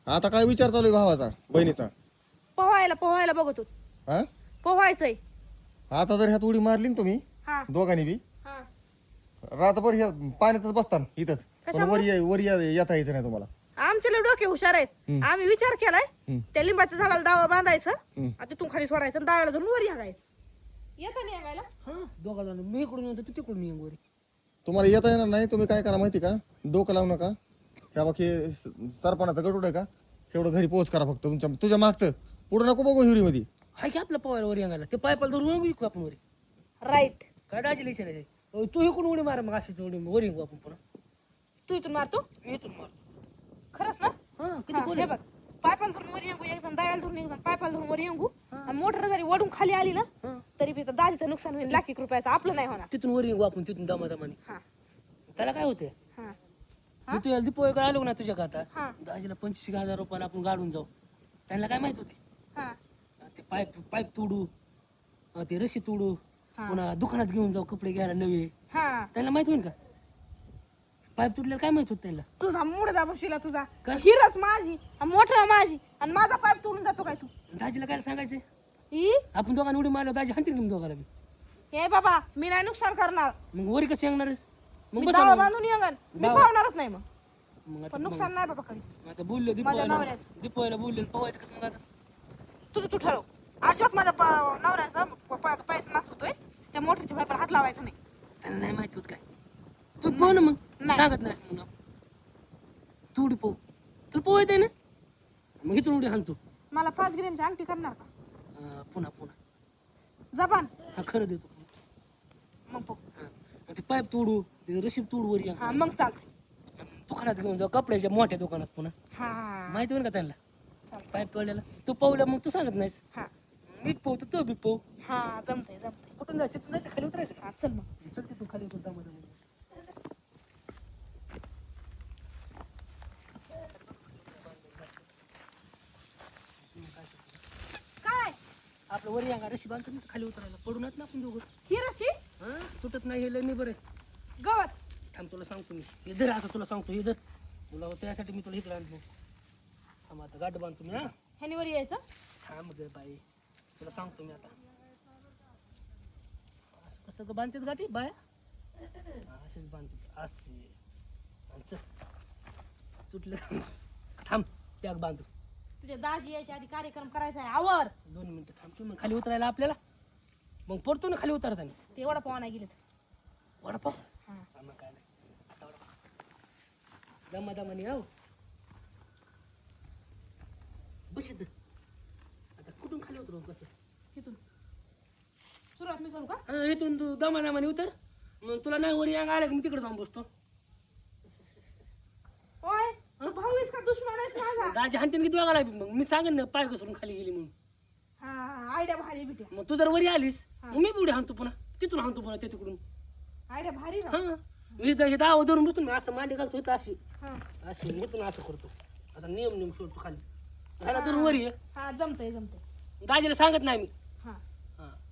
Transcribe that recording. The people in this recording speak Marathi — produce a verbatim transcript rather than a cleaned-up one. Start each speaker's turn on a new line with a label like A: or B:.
A: आता काय विचार चालू आहे भावाचा बहिणीचा?
B: पोहायला पोहायला बघत होत.
A: हा
B: पोहायचंय.
A: आता जर ह्यात उडी मारली ना तुम्ही
B: हा
A: दोघांनी बी
B: हा
A: रातभर ह्या पाण्यातच बसतान इथंच. पण
B: कशामुळे?
A: वर ये- वर या- येता यायचं नाही तुम्हाला.
B: आमचे लय डोके हुशार आहेत.
A: हम्म.
B: आम्ही विचार केलाय
A: हम्म.
B: त्या लिंबाच्या झाडाला दावा बांधायचं
A: हम्म.
B: आणि तिथून खाली सोडायचं आणि दाव्याला धरून वर यागायचं. येतं नाही यागायला.
C: हा दोघा जण मी इकडून येतो तू तिकडून ये गोरी.
A: तुम्हाला येता येणार नाही. तुम्ही काय करा माहिती का, डोकं लावू नका. ह्या बाकी सरपणाचा गटूड आहे का, एवढं घरी पोहोच करा फक्त. तुमच्या तुझ्या मागचं पुढे नको बघू हिरी मध्ये.
C: हाय की आपल्या पवायला वर यांगायला ते पायपाला धरून विकू आपण वरी.
B: राईट.
C: काय डायची लिहायचं नाही. तू इकडून उडी मार मग अशीच उडी वर येऊ आपण पुन्हा.
B: तू इथून मारतो
C: मी इथून मारतो.
B: खरंच ना.
C: हा किती
B: हा,
C: कोण
B: हे
C: आहे?
B: बघ पायपाला धरून वर येऊ एक जण दाव्याला धरून एक जण पायपाला धरून वर येऊ आणि मोटर जरी वडून खाली आली ना
C: हा.
B: तरी बी दाजीचं नुकसान होईल लाख एक रुपयाचं. आपलं नाही होणार.
C: तिथून वर येऊ आपण तिथून दमादमाने.
B: हा
C: त्याला काय होते
B: हा
C: मी तुझ्या दीपोळी आलो ना तुझ्या आता
B: हा
C: दाजीला पंचवीस हजार रुपयाला आपण गाडून जाऊ. त्यांना काय माहित होते
B: हा
C: ते पाईप पाईप तोडू अं, ते रशी तोडू
B: हा.
C: पुन्हा दुकानात घेऊन जाऊ कपडे घ्यायला नवे.
B: हा
C: त्यांना माहित होईल का पाईप तुटल्याला काय माहित होत त्यांना.
B: तुझा मुडदा बसला तुझा
C: काय?
B: हिरच माझी मोठं माझी आणि माझा पाईप तोडून जातो काय तू?
C: दाजीला काय सांगायचं
B: ई
C: आपण दोघांना उडी मारलो दाजी हाणतील की दोघाला बी.
B: हे बाबा मी नाही नुकसान करणार.
C: मग वरी कसं येणारच मग
B: मी
C: बस
B: दावा बांधून येंगन. मी
C: दावा.
B: पावणारच नाही मग.
C: मग आता
B: पण नुकसान नाही बाबा कधी.
C: मग आता बोललो
B: माझ्या
C: दीपोळीला
B: नवऱ्याचं.
C: दीपोळीला बोलले पवायचं कसं मग आता.
B: तुझं तू ठरव. अजिबात माझ्या प- नवऱ्याचा प- प- पैसा नसतोय त्या मोटरच्या पाईपाला हात लावायचा नाही.
C: त्यांना नाही माहित होत काय तू पोह ना मग
B: नाही.
C: सांगत नाही म्हणून तू उडी पोह तुला पोह येते ना मग इथून उडी हाणतो.
B: मला पाच ग्रॅमची अंगठी करणार का?
C: अं, पुन्हा पुन्हा
B: जपान
C: हा खरं देतो
B: मग पो.
C: हा. मग ते पाईप तोडू ते रशीद तोडू वरी
B: हा मग चालतंय.
C: दुकानात घेऊन जाऊ कपड्याच्या मोठ्या दुकानात पुन्हा
B: हा
C: माहिती होईल का त्यांना
B: चालतंय.
C: पाईप तोडलेला तू पावलं मग तू सांगत नाहीस
B: हा
C: मी पोहतो तो बी पोह
B: हा जमतंय जमतंय.
C: कुठून जायचं तिथून जायचं खाली उतरायचं
B: हा चल मग.
C: चल तिथून खाली उतर दमा
B: काय
C: आपलं वरी अंगा रशी बांधतो ना खाली उतरायला पडूनच ना आपण दोघं
B: ही रशी
C: हा तुटत नाही हे लय नाही बरं आहे.
B: गवत
C: थांब तुला सांगतो मी इधर आता तुला सांगतो इधर तुला त्यासाठी मी तुला इकडे आणतो थांब आता गाठ बांधतो मी हा
B: ह्यानी वर यायचं.
C: थांब ग बाई तुला सांगतो मी आता असं कसं ग बांधतात गाठी बाया हा, असेच बांधतात असे आणि चल तुटलं थांब त्याग बांधू
B: तुझ्या दाजी यायच्या आधी कार्यक्रम करायचा आहे. आवर
C: दोन मिनिटं थांबतो मग खाली उतरायला आपल्याला मग पडतो ना खाली उतरताना
B: ते एवढा पोहा नाही गेले.
C: वडापाव
B: हा
C: हा, मग काय नाही आता वडापाव दमा दमानी हो बस इथं आता कुठून खाली उतरू कसं
B: तिथून सुरुवात मी करू का?
C: हा इथून तू दमा दमानी उतर मग तुला नाही वरी अंग आलं की मी तिकडे जाऊन बसतो
B: ओय तू भाऊ आहेस का दुश्मन आहेस माझा?
C: दाजी हाणतीन की तू अंगाला मग मी सांगेन ना पाय घसरून खाली गेली म्हणून
B: हा आयडिया भारी बिट्या.
C: मग तू जर वरी आलीस
B: हा.
C: मग मी पुढे हाणतो पुन्हा तिथून हाणतो पुन्हा ते तिकडून
B: आयडिया भारी ना.
C: हा मी हे दावा धरून बसतो मी असं मांडी घालतो इथं अशी
B: हा
C: अशी इथून असं करतो असा नियम नियम सोडतो खाली ह्याला धरून वरी आहे
B: हा जमतंय जमतंय.
C: दाजीला सांगत नाही मी